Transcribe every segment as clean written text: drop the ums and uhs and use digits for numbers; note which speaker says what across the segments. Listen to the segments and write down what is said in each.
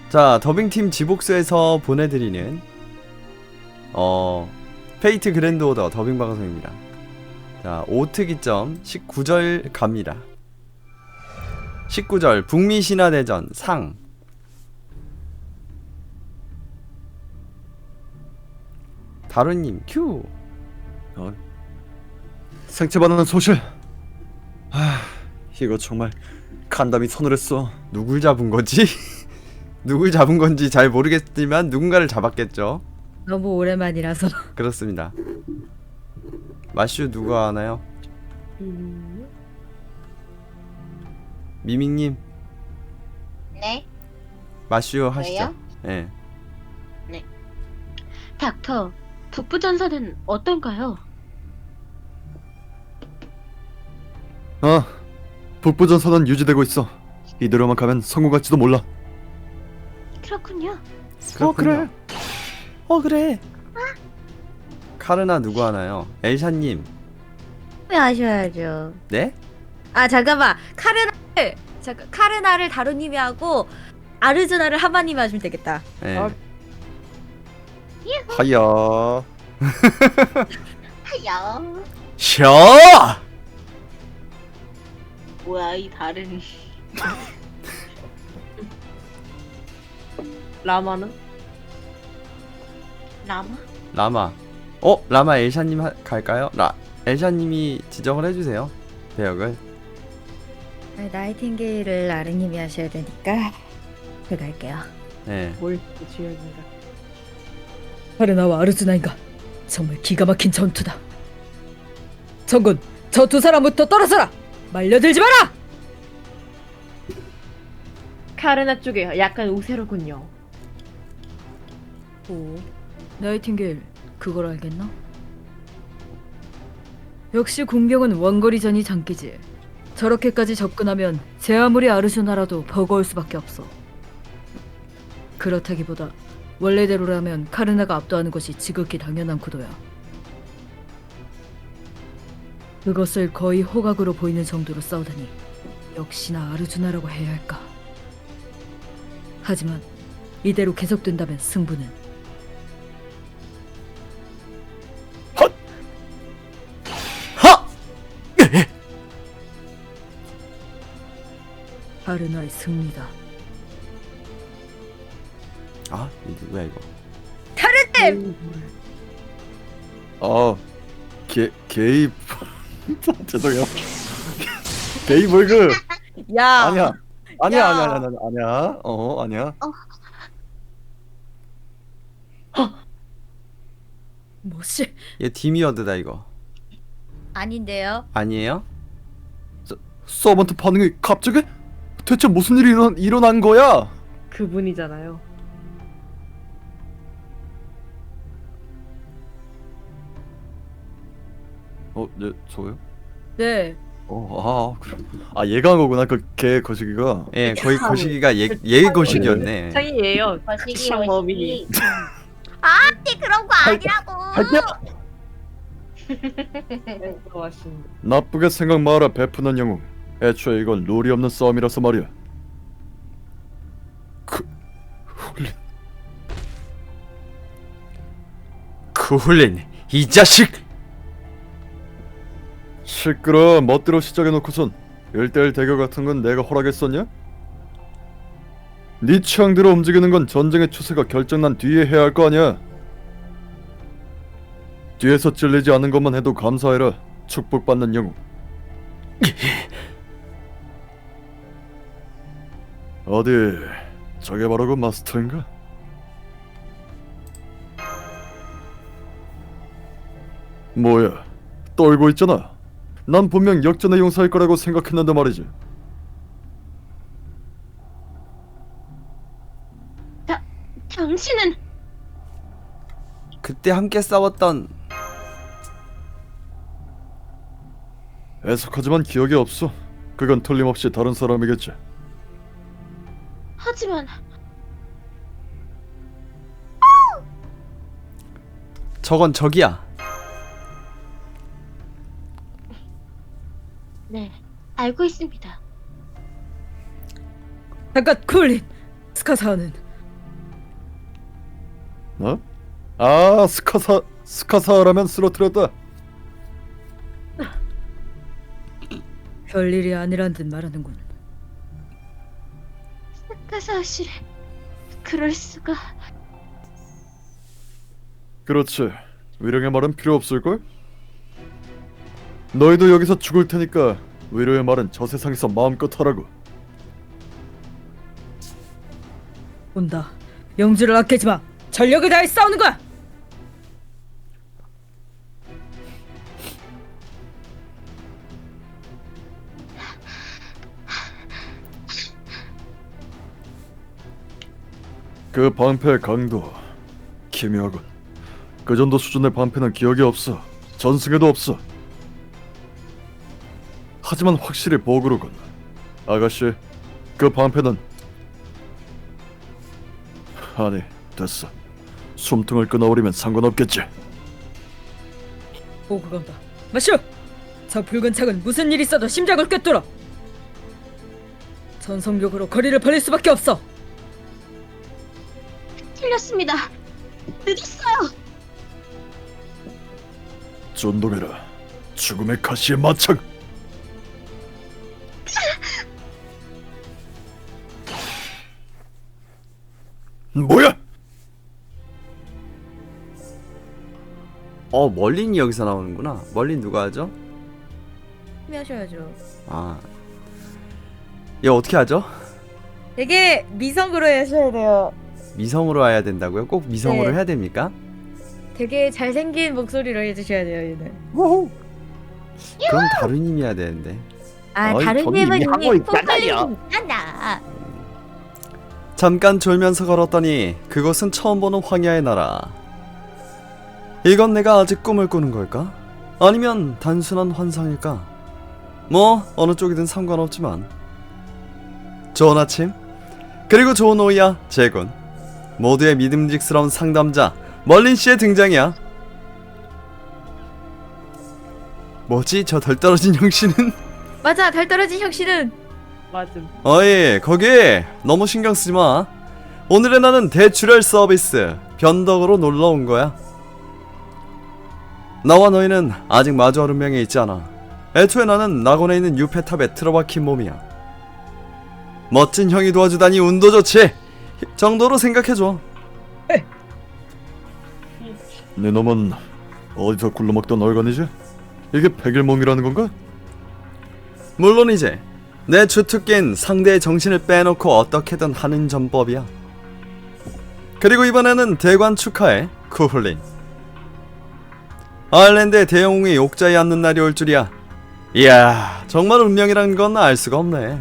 Speaker 1: 자, 더빙팀 지복스에서 보내드리는 페이트 그랜드 오더 더빙 방송입니다. 자, 오특이점 19절 갑니다. 19절 북미 신화대전 상. 다루님 큐.
Speaker 2: 생체반응은 소실. 이거 정말 간담이 서늘했어.
Speaker 1: 누굴 잡은 거지? 누굴 잡은 건지 잘 모르겠지만 누군가를 잡았겠죠.
Speaker 3: 너무 오랜만이라서.
Speaker 1: 그렇습니다. 마슈 누가 하나요? 미밍님
Speaker 4: 네?
Speaker 1: 마슈 하시죠.
Speaker 4: 왜요?
Speaker 1: 예.
Speaker 4: 닥터, 북부전선은 어떤가요?
Speaker 2: 북부전선은 유지되고 있어. 이대로만 가면 성공할지도 몰라.
Speaker 4: 그렇군요.
Speaker 1: 그렇군요. 그래. 카르나 누구 하나요? 엘샤님.
Speaker 3: 왜 아셔야죠.
Speaker 1: 네?
Speaker 3: 아 잠깐만. 카르나를 다루님이 하고 아르즈나를 하마님이 하시면 되겠다.
Speaker 1: 예.
Speaker 2: 하야.
Speaker 4: 하야.
Speaker 1: 셔!
Speaker 4: 뭐야 이 다른 라마는? 라마?
Speaker 1: 라마. 라마 엘샤님 갈까요? 엘샤님이 지정을 해주세요. 배역을.
Speaker 3: 나이팅게일을 아르님이 하셔야 되니까 제가 할게요.
Speaker 1: 예.
Speaker 5: 뭘 주연인가?
Speaker 3: 카르나와 아르즈나인가? 정말 기가 막힌 전투다. 정군, 저 두 사람부터 떨어져라! 말려들지 마라!
Speaker 5: 카르나 쪽에 약간 우세로군요.
Speaker 3: 오, 나이팅게일, 그걸 알겠나? 역시 공병은 원거리전이 장기지. 저렇게까지 접근하면 제 아무리 아르슈나라도 버거울 수밖에 없어. 그렇다기보다 원래대로라면 카르나가 압도하는 것이 지극히 당연한 구도야. 그것을 거의 호각으로 보이는 정도로 싸우다니 역시나 아르주나라고 해야 할까. 하지만 이대로 계속된다면 승부는
Speaker 1: 하!
Speaker 3: 카르나의 승리다.
Speaker 1: 아, 이거 누구야 이거?
Speaker 2: 게이. 죄송해요. 게이 벌그.
Speaker 3: 야,
Speaker 2: 아니야. 아니야,
Speaker 3: 야.
Speaker 2: 아니야. 아니야.
Speaker 3: 뭐지?
Speaker 1: 얘 디미어드다 이거.
Speaker 3: 아닌데요?
Speaker 1: 아니에요?
Speaker 2: 서번트 반응이 갑자기? 대체 무슨 일이 일어난 거야?
Speaker 5: 그분이잖아요.
Speaker 2: 네, 저요?
Speaker 3: 네.
Speaker 2: 그래. 얘가 한 거구나. 그 개 거시기가.
Speaker 1: 예, 거의 거시기가 얘 거시기였네.
Speaker 5: 창이에요.
Speaker 4: 거시기
Speaker 5: 창범이.
Speaker 4: 그런 거 아니라고.
Speaker 2: 할게.
Speaker 5: 들어왔습니다.
Speaker 2: 나쁘게 생각 마라, 베푸는 영웅. 애초에 이건 룰이 없는 싸움이라서 말이야.
Speaker 1: 쿠훌린 이 자식!
Speaker 2: 시끄러. 멋대로 시작해놓고선 1대1 대결 같은 건 내가 허락했었냐? 네 취향대로 움직이는 건 전쟁의 추세가 결정난 뒤에 해야 할 거 아니야. 뒤에서 찔리지 않은 것만 해도 감사해라. 축복받는 영웅. 어디 저게 바로 그 마스터인가? 뭐야, 떨고 있잖아. 난 분명 역전의 용사일 거라고 생각했는데 말이지.
Speaker 4: 당신은
Speaker 1: 그때 함께 싸웠던
Speaker 2: 애석하지만 기억이 없어. 그건 틀림없이 다른 사람이겠지.
Speaker 4: 하지만
Speaker 1: 저건 적이야.
Speaker 4: 네, 알고 있습니다.
Speaker 3: 잠깐 쿨린. 스카사는
Speaker 2: 어? 아, 스카사라면 쓰러뜨렸다.
Speaker 3: 별일이 아니란 듯 말하는군.
Speaker 4: 스카사시 그럴 수가.
Speaker 2: 그렇지. 위령의 말은 필요 없을걸? 너희도 여기서 죽을 테니까 위령의 말은 저 세상에서 마음껏 하라고.
Speaker 3: 온다. 영주를 아끼지 마. 전력을 다해 싸우는 거야.
Speaker 2: 그 방패의 강도 기묘하군. 그 정도 수준의 방패는 기억이 없어. 전승에도 없어. 하지만 확실히 보그루군. 아가씨, 그 방패는... 아니, 됐어. 숨통을 끊어버리면 상관없겠지.
Speaker 3: 보고 간다. 마쇼! 저 붉은 창은 무슨 일이 있어도 심장을 꿰뚫어. 전속력으로 거리를 벌릴 수밖에 없어.
Speaker 4: 틀렸습니다. 늦었어요.
Speaker 2: 존동해라. 죽음의 가시의 마창. 뭐야?
Speaker 1: 멀린이 여기서 나오는구나. 멀린 누가 하죠?
Speaker 3: 하셔야죠.
Speaker 1: 아, 얘 어떻게 하죠?
Speaker 3: 되게 미성으로 하셔야 돼요.
Speaker 1: 미성으로 해야 된다고요? 꼭 미성으로
Speaker 3: 네.
Speaker 1: 해야 됩니까?
Speaker 3: 되게 잘생긴 목소리로 해주셔야 돼요, 얘는.
Speaker 1: 그럼 다른 힘이 해야 되는데.
Speaker 4: 아
Speaker 2: 아이,
Speaker 4: 다른
Speaker 2: 저는
Speaker 4: 님은
Speaker 2: 이미 하고
Speaker 4: 이미
Speaker 2: 있잖아요.
Speaker 4: 있잖아.
Speaker 1: 잠깐 졸면서 걸었더니 그곳은 처음 보는 황야의 나라. 이건 내가 아직 꿈을 꾸는 걸까? 아니면 단순한 환상일까? 뭐 어느 쪽이든 상관없지만. 좋은 아침, 그리고 좋은 오후야, 제군. 모두의 믿음직스러운 상담자 멀린씨의 등장이야. 뭐지 저 덜 떨어진 형씨는?
Speaker 3: 맞아, 달 떨어진 형씨는.
Speaker 5: 맞음.
Speaker 1: 어이 거기 너무 신경 쓰지 마. 오늘의 나는 대출혈 서비스 변덕으로 놀러 온 거야. 나와 너희는 아직 마주할 운명에 있지 않아. 애초에 나는 낙원에 있는 유페탑에 틀어박힌 몸이야. 멋진 형이 도와주다니 운도 좋지 정도로 생각해줘.
Speaker 2: 네 놈은 어디서 굴러먹던 얼간이지? 이게 백일몽이라는 건가?
Speaker 1: 물론이지. 내 주특기인 상대의 정신을 빼놓고 어떻게든 하는 전법이야. 그리고 이번에는 대관 축하해, 쿠훌린. 아일랜드의 대영웅이 옥자에 앉는 날이 올 줄이야. 이야, 정말 운명이란 건 알 수가 없네.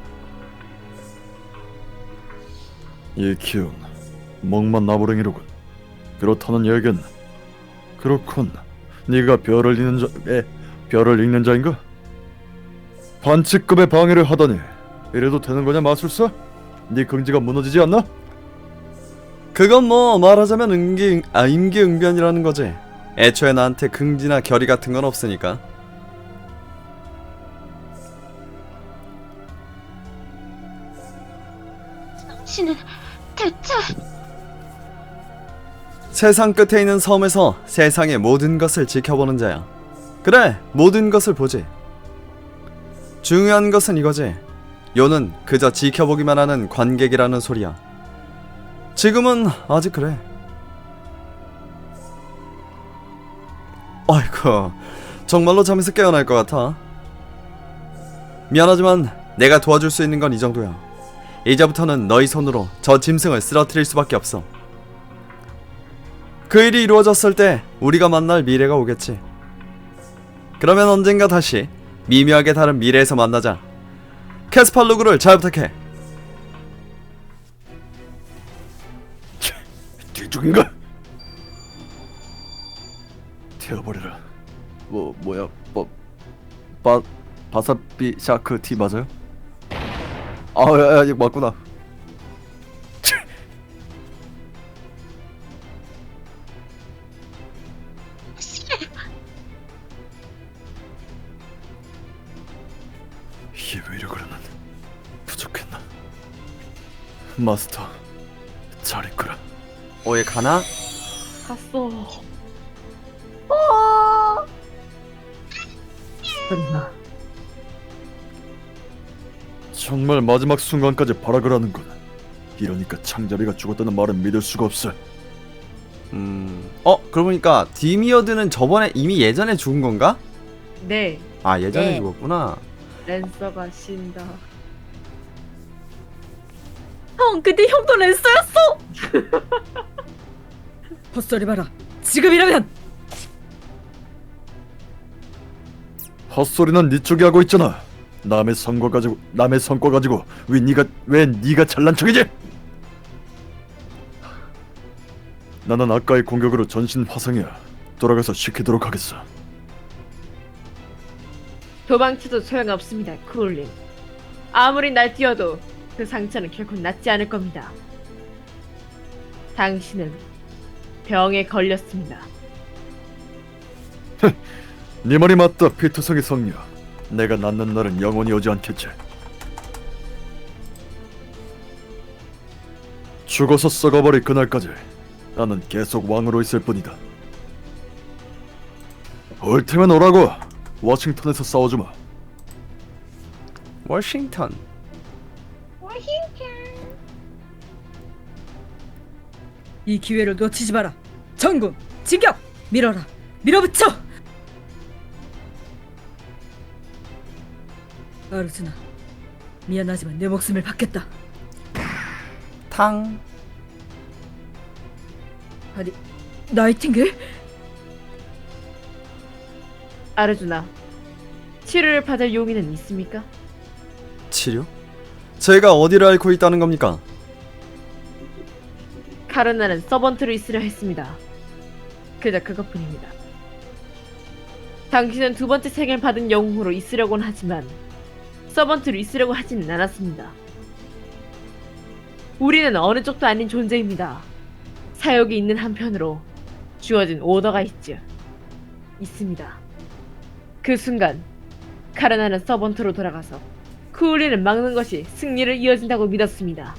Speaker 2: 이 기운, 멍만 나부랭이로군. 그렇다는 얘긴 그렇군. 네가 별을 읽는 자인가? 반칙급의 방해를 하다니 이래도 되는 거냐 마술사? 네 긍지가 무너지지 않나?
Speaker 1: 그건 뭐 말하자면 임기응변이라는 거지. 애초에 나한테 긍지나 결의 같은 건 없으니까.
Speaker 4: 당신은 대체
Speaker 1: 세상 끝에 있는 섬에서 세상의 모든 것을 지켜보는 자야. 그래, 모든 것을 보지. 중요한 것은 이거지. 요는 그저 지켜보기만 하는 관객이라는 소리야. 지금은 아직 그래. 아이고, 정말로 잠에서 깨어날 것 같아. 미안하지만 내가 도와줄 수 있는 건 이 정도야. 이제부터는 너희 손으로 저 짐승을 쓰러뜨릴 수밖에 없어. 그 일이 이루어졌을 때 우리가 만날 미래가 오겠지. 그러면 언젠가 다시 미묘하게 다른 미래에서 만나자. 캐스팔루그를 잘 부탁해.
Speaker 2: 뒤죽인가? 태워버려라. 뭐야? 바사비 샤크 티 맞아요? 야, 이거 맞구나. 이 위력으로는 부족했나? 마스터, 잘 있거라.
Speaker 1: 얘 가나?
Speaker 5: 샀어. 끝나.
Speaker 2: 정말 마지막 순간까지 발악을 하는군. 이러니까 창자비가 죽었다는 말은 믿을 수가 없어.
Speaker 1: 그러고 보니까 디미어드는 저번에 이미 예전에 죽은 건가?
Speaker 5: 네,
Speaker 1: 아, 예전에
Speaker 4: 네.
Speaker 1: 죽었구나.
Speaker 5: 랜서가 신다.
Speaker 3: 형, 근데 형도 랜서였어. 헛소리 마라. 지금이라면.
Speaker 2: 헛소리는 네 쪽이 하고 있잖아. 남의 성과 가지고 왜 네가 잘난 척이지? 나는 아까의 공격으로 전신 화상이야. 돌아가서 시키도록 하겠어.
Speaker 5: 도망쳐도 소용없습니다, 쿨린. 아무리 날뛰어도 그 상처는 결코 낫지 않을 겁니다. 당신은 병에 걸렸습니다.
Speaker 2: 네 말이 맞다, 피투성의 성녀. 내가 낫는 날은 영원히 오지 않겠지. 죽어서 썩어버릴 그날까지 나는 계속 왕으로 있을 뿐이다. 올 테면 오라고. 워싱턴에서 싸워주마.
Speaker 1: 워싱턴.
Speaker 3: 이 기회를 놓치지 마라. 전군, 진격, 밀어라, 밀어붙여. 아르즈나, 미안하지만 내 목숨을 받겠다.
Speaker 1: 탕.
Speaker 3: 아니, 나이팅게일?
Speaker 5: 아르주나, 치료를 받을 용의는 있습니까?
Speaker 1: 치료? 제가 어디를 앓고 있다는 겁니까?
Speaker 5: 카르나는 서번트로 있으려 했습니다. 그저 그것뿐입니다. 당신은 두 번째 생을 받은 영웅으로 있으려고는 하지만 서번트로 있으려고 하지는 않았습니다. 우리는 어느 쪽도 아닌 존재입니다. 사역이 있는 한편으로 주어진 오더가 있습니다. 그 순간 카르나는 서번트로 돌아가서 쿠울린을 막는 것이 승리를 이어진다고 믿었습니다.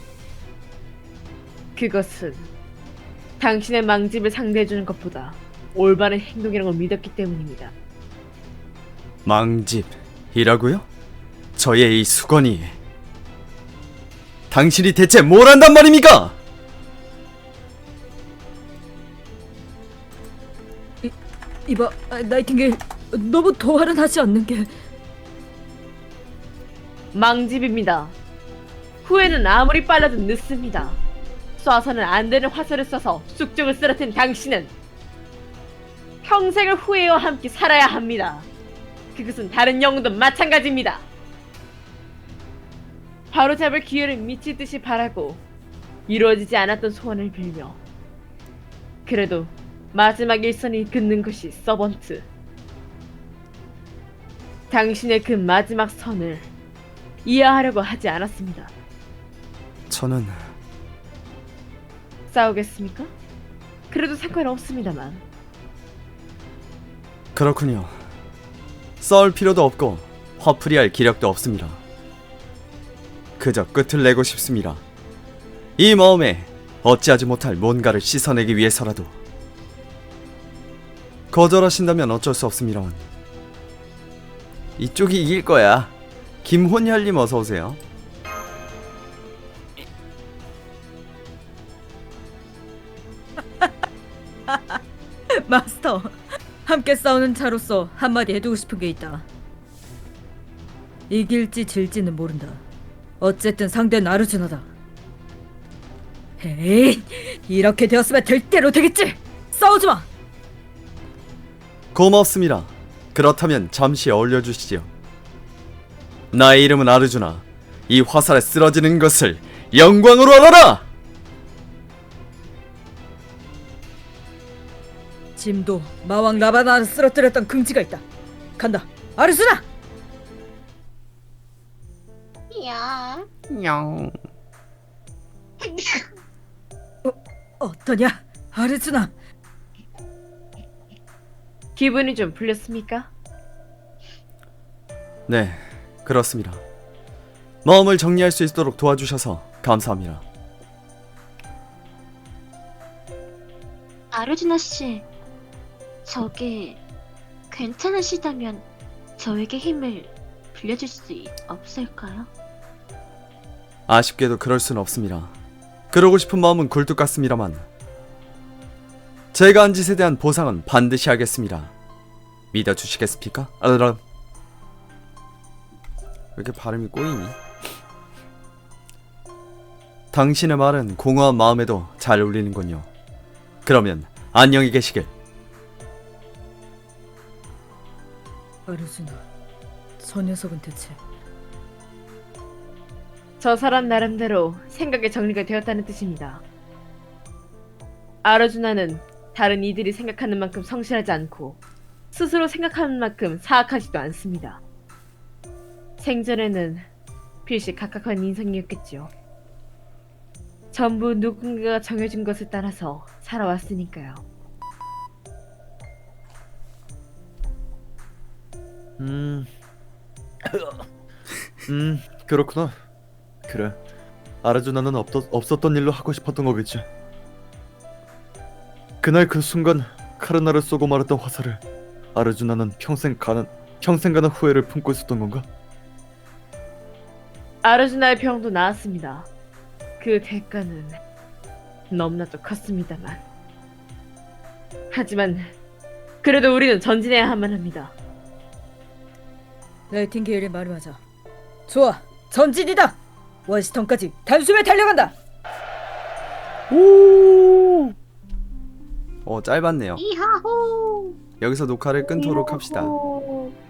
Speaker 5: 그것은 당신의 망집을 상대해주는 것보다 올바른 행동이라는 걸 믿었기 때문입니다.
Speaker 1: 망집이라고요? 저의 이 수건이 당신이 대체 뭘 한단 말입니까?
Speaker 3: 이봐, 나이팅게일, 너무 도발은 하지 않는 게.
Speaker 5: 망집입니다. 후회는 아무리 빨라도 늦습니다. 쏴서는 안 되는 화살을 쏴서 쑥쪽을 쓰러뜨린 당신은 평생을 후회와 함께 살아야 합니다. 그것은 다른 영웅도 마찬가지입니다. 바로잡을 기회를 미칠 듯이 바라고 이루어지지 않았던 소원을 빌며 그래도 마지막 일선이 긋는 것이 서번트. 당신의 그 마지막 선을 이해하려고 하지 않았습니다.
Speaker 1: 저는
Speaker 5: 싸우겠습니까? 그래도 상관없습니다만.
Speaker 1: 그렇군요. 싸울 필요도 없고 화풀이할 기력도 없습니다. 그저 끝을 내고 싶습니다. 이 마음에 어찌하지 못할 뭔가를 씻어내기 위해서라도. 거절하신다면 어쩔 수 없습니다만 이쪽이 이길 거야. 김혼혈님 어서 오세요.
Speaker 3: 마스터, 함께 싸우는 자로서 한마디 해두고 싶은 게 있다. 이길지 질지는 모른다. 어쨌든 상대는 아르주나다. 에이, 이렇게 되었으면 될 대로 되겠지. 싸우지 마.
Speaker 1: 고맙습니다. 그렇다면 잠시 어울려주시지요. 나의 이름은 아르주나. 이 화살에 쓰러지는 것을 영광으로 알아라!
Speaker 3: 짐도 마왕 라바나를 쓰러뜨렸던 긍지가 있다. 간다, 아르주나.
Speaker 4: 야.
Speaker 1: 냥.
Speaker 3: 어떠냐, 아르주나?
Speaker 5: 기분이 좀 풀렸습니까?
Speaker 1: 네, 그렇습니다. 마음을 정리할 수 있도록 도와주셔서 감사합니다.
Speaker 4: 아르주나 씨, 저게 괜찮으시다면 저에게 힘을 빌려줄 수 없을까요?
Speaker 1: 아쉽게도 그럴 순 없습니다. 그러고 싶은 마음은 굴뚝 같습니다만 제가 한 짓에 대한 보상은 반드시 하겠습니다. 믿어주시겠습니까? 왜 이렇게 발음이 꼬이니? 당신의 말은 공허한 마음에도 잘 울리는군요. 그러면 안녕히 계시길.
Speaker 3: 아르주나, 저 녀석은 대체
Speaker 5: 저 사람 나름대로 생각의 정리가 되었다는 뜻입니다. 아르주나는 다른 이들이 생각하는 만큼 성실하지 않고 스스로 생각하는 만큼 사악하지도 않습니다. 생전에는 필시 각각한 인생이었겠지요. 전부 누군가가 정해준 것을 따라서 살아왔으니까요.
Speaker 2: 그렇구나. 그래. 아르주나는 없었던 일로 하고 싶었던 거겠지. 그날 그 순간 카르나를 쏘고 말았던 화살을 아르주나는 평생 가는 후회를 품고 있었던 건가?
Speaker 5: 아르주나의 병도 나았습니다. 그 대가는 너무나도 컸습니다만. 하지만 그래도 우리는 전진해야만 합니다.
Speaker 3: 나이팅게일의 말이 맞아. 좋아, 전진이다. 워시턴까지 단숨에 달려간다.
Speaker 1: 짧았네요.
Speaker 4: 이하호!
Speaker 1: 여기서 녹화를 끊도록 합시다.